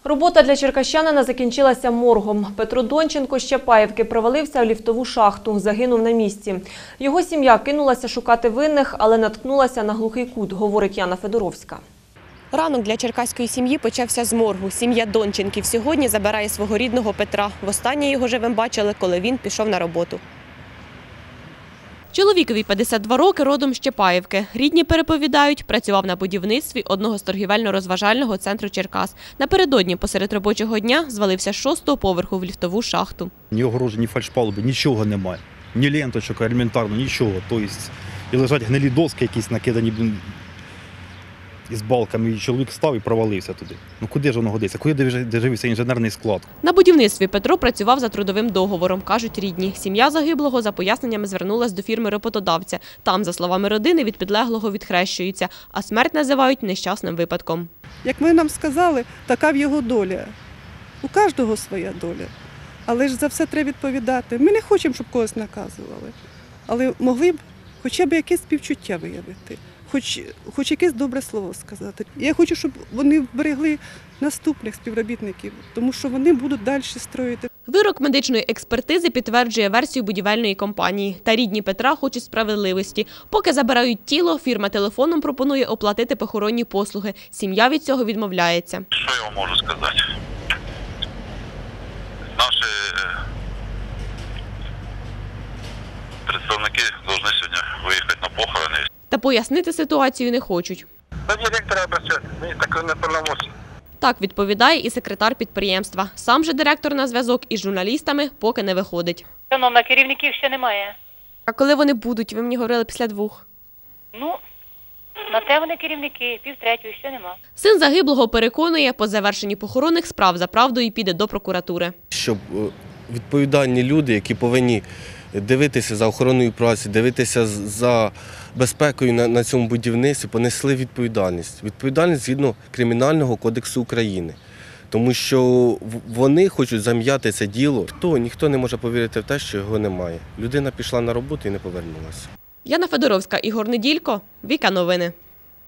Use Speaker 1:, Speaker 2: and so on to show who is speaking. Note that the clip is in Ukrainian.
Speaker 1: Робота для черкащанина закінчилася моргом. Петро Донченко з Чапаївки провалився в ліфтову шахту, загинув на місці. Його сім'я кинулася шукати винних, але наткнулася на глухий кут, говорить Яна Федоровська.
Speaker 2: Ранок для черкаської сім'ї почався з моргу. Сім'я Донченків сьогодні забирає свого рідного Петра. Востаннє його живим бачили, коли він пішов на роботу. Чоловікові 52 роки, родом з Чапаївки. Рідні переповідають, працював на будівництві одного з торгівельно-розважального центру Черкас. Напередодні посеред робочого дня звалився з 6-го поверху в ліфтову шахту.
Speaker 3: Ні огорожі, ні фальшпалуби, нічого немає. Ні ленточок, елементарно, нічого. Тобто, і лежать гнилі доски якісь накидані із балками, і чоловік став і провалився туди. Ну куди ж воно годиться? Куди дивився інженерний склад?
Speaker 2: На будівництві Петро працював за трудовим договором, кажуть рідні. Сім'я загиблого за поясненнями звернулась до фірми роботодавця. Там, за словами родини, від підлеглого відхрещуються, а смерть називають нещасним випадком.
Speaker 4: Як ви нам сказали, така в його доля. У кожного своя доля. Але ж за все треба відповідати. Ми не хочемо, щоб когось наказували. Але могли б хоча б якесь співчуття виявити. Хоч якесь добре слово сказати. Я хочу, щоб вони вберегли наступних співробітників, тому що вони будуть далі строїти.
Speaker 2: Вирок медичної експертизи підтверджує версію будівельної компанії. Та рідні Петра хочуть справедливості. Поки забирають тіло, фірма телефоном пропонує оплатити похоронні послуги. Сім'я від цього відмовляється.
Speaker 5: Що я вам можу сказати? Наші представники повинні сьогодні виїхати на похорони.
Speaker 2: Та пояснити ситуацію не хочуть.
Speaker 5: До директора працювати, мені так не повномочні.
Speaker 2: Так відповідає і секретар підприємства. Сам же директор на зв'язок із журналістами поки не виходить.
Speaker 6: Шановна, керівників ще немає.
Speaker 2: А коли вони будуть? Ви мені говорили після 2.
Speaker 6: Ну, на те вони керівники, 2:30, ще нема.
Speaker 2: Син загиблого переконує, по завершенні похоронних справ за правдою піде до прокуратури.
Speaker 7: Щоб відповідальні люди, які повинні дивитися за охороною праці, дивитися за безпекою на цьому будівництві, понесли відповідальність. Відповідальність згідно Кримінального кодексу України. Тому що вони хочуть зам'яти це діло. Ніхто не може повірити в те, що його немає. Людина пішла на роботу і не повернулася.
Speaker 2: Яна Федоровська, Ігор Неділько, Віка Новини.